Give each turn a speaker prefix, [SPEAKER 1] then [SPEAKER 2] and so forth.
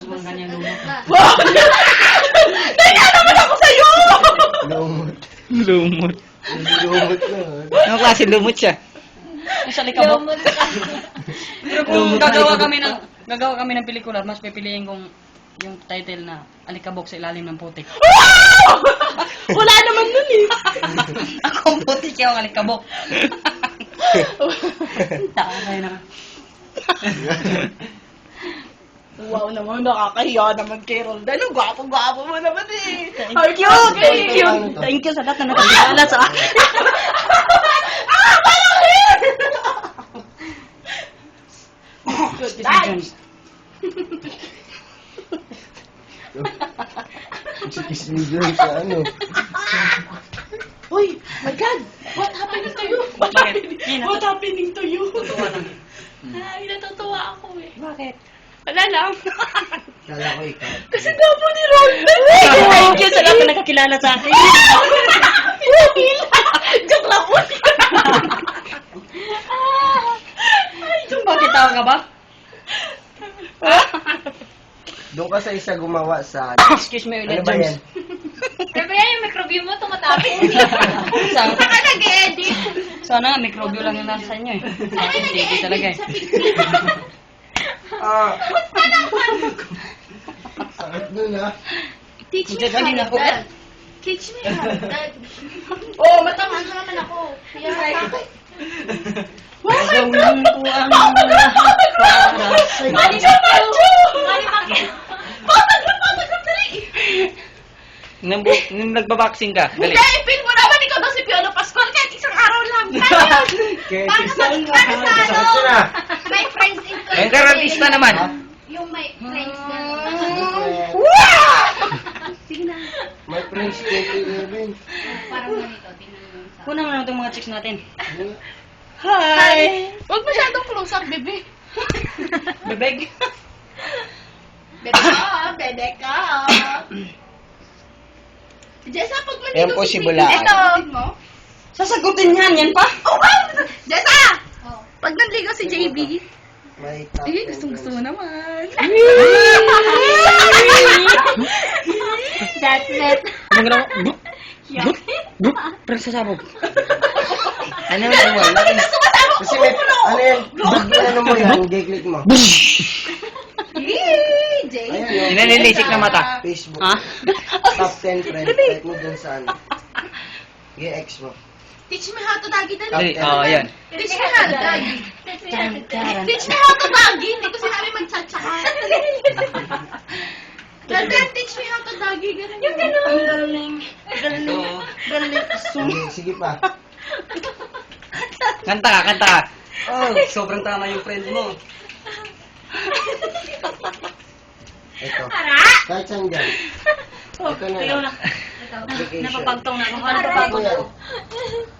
[SPEAKER 1] Mga kanyang lumot.
[SPEAKER 2] Wow! Naya naman ako sa'yo!
[SPEAKER 3] Lumot.
[SPEAKER 4] Lumot.
[SPEAKER 3] Lumot na.
[SPEAKER 4] Anong klase lumot siya?
[SPEAKER 1] Yung sa likabok. Pero kung gagawa kami ng pelikula, mas pipiliin kong yung title na Alikabok sa ilalim ng putik.
[SPEAKER 2] Wow! Wala naman nun eh.
[SPEAKER 1] Ako ang putik, yung alikabok. Taray na.
[SPEAKER 2] Wow naman, nakakahiya naman kay Roldan. Ang gwapo-gwapo mo naman eh.
[SPEAKER 1] Thank you! Thank you! Thank you sa lahat na nakakilala sa akin.
[SPEAKER 2] Ah! Parang here!
[SPEAKER 1] Good decisions.
[SPEAKER 3] Kiss me girl sa ano.
[SPEAKER 2] Uy, my God! What happening to you? What happening to you? Ay, natutuwa ako eh.
[SPEAKER 1] Bakit?
[SPEAKER 2] Wala lang.
[SPEAKER 3] Kala ko ikaw.
[SPEAKER 2] Kasi gwapo ni Roldan eh.
[SPEAKER 1] Thank you sa lahat na nakakilala sa akin.
[SPEAKER 2] Joke lang po.
[SPEAKER 1] Bakit tawa ka ba?
[SPEAKER 3] Doon ka sa isa gumawa sa...
[SPEAKER 1] Excuse me,
[SPEAKER 3] Ano
[SPEAKER 1] ulit,
[SPEAKER 3] ba yan?
[SPEAKER 1] James.
[SPEAKER 5] Sabi yan, yung microbio mo, tumatapos.
[SPEAKER 1] Sana,
[SPEAKER 5] Saka nag-edit.
[SPEAKER 1] sana nga, microbio lang yung nasa inyo eh. Sa akin, hindi talaga eh.
[SPEAKER 3] Ah! Sakit nun ah.
[SPEAKER 5] Teach me
[SPEAKER 1] Diyan din
[SPEAKER 5] how
[SPEAKER 1] ako.
[SPEAKER 5] that. Teach me how that.
[SPEAKER 2] Oh, matama.
[SPEAKER 5] Ano naman ako? Kaya sa akin.
[SPEAKER 1] Gagawin ko ang lahat para sa'yo.
[SPEAKER 2] Mali ka, Macho!
[SPEAKER 5] Mali bakit?
[SPEAKER 2] Patag, dali!
[SPEAKER 4] Nung nagbaboxing ka, dali.
[SPEAKER 2] Hindi, ipin mo naman ikaw daw si Piolo Pascual kahit isang araw lang.
[SPEAKER 3] Kaya
[SPEAKER 5] Para sa
[SPEAKER 3] Sakit
[SPEAKER 5] ano?
[SPEAKER 3] na.
[SPEAKER 5] My friends in
[SPEAKER 4] Ayun ka, artista naman.
[SPEAKER 5] Yung my friends na. Sige na.
[SPEAKER 3] My friends 2011.
[SPEAKER 5] Parang ganito. Tingnan mo sa...
[SPEAKER 1] Kunan mo na itong mga chicks natin.
[SPEAKER 2] Hi! Huwag masyadong close up, bebe.
[SPEAKER 1] Bebeg.
[SPEAKER 2] Bebe ka. Jessa, pag nandito
[SPEAKER 3] Yan po si Bulaan.
[SPEAKER 2] Ito. Mo?
[SPEAKER 1] Sasagutin yan, yan pa?
[SPEAKER 2] Oh, wow! Jessa!
[SPEAKER 5] Oh.
[SPEAKER 2] Pag nanligaw si JB,
[SPEAKER 3] May top
[SPEAKER 2] eh,
[SPEAKER 3] 10
[SPEAKER 2] gusto mo naman.
[SPEAKER 5] That's it.
[SPEAKER 4] Anong ginawa? Bup! Bup! Bup! Parang sasabog.
[SPEAKER 3] Ano na mo? Kasi may, ano yan, pag ano mo yan, gay-click mo.
[SPEAKER 2] Yee! JB.
[SPEAKER 3] Ayan yun.
[SPEAKER 4] Inanilisik na mata.
[SPEAKER 3] Facebook.
[SPEAKER 4] Ha?
[SPEAKER 3] Top 10 friends. Type mo dun sa ano. Gay-X mo.
[SPEAKER 2] Teach me how to dagi dali.
[SPEAKER 4] Dali, oo, yan.
[SPEAKER 2] Teach me how to dagi.
[SPEAKER 5] That's it.
[SPEAKER 2] Teach me how to dagi. Hindi ko sinabi mag-cha-cha. Ganun, teach me how to dagi. Ganun. Yung ganun.
[SPEAKER 1] Ang galing. Galing. Galing.
[SPEAKER 3] Sige pa.
[SPEAKER 4] Kanta ka, kanta ka.
[SPEAKER 1] Oh, sobrang tama yung friend mo.
[SPEAKER 3] Ito. Kahit saan dyan. Ito na
[SPEAKER 1] Ikaw
[SPEAKER 3] lang.
[SPEAKER 1] na.
[SPEAKER 3] Application.
[SPEAKER 1] Napapagtong na ako.
[SPEAKER 3] Ano
[SPEAKER 1] Napapagtong
[SPEAKER 3] yan?
[SPEAKER 1] ako.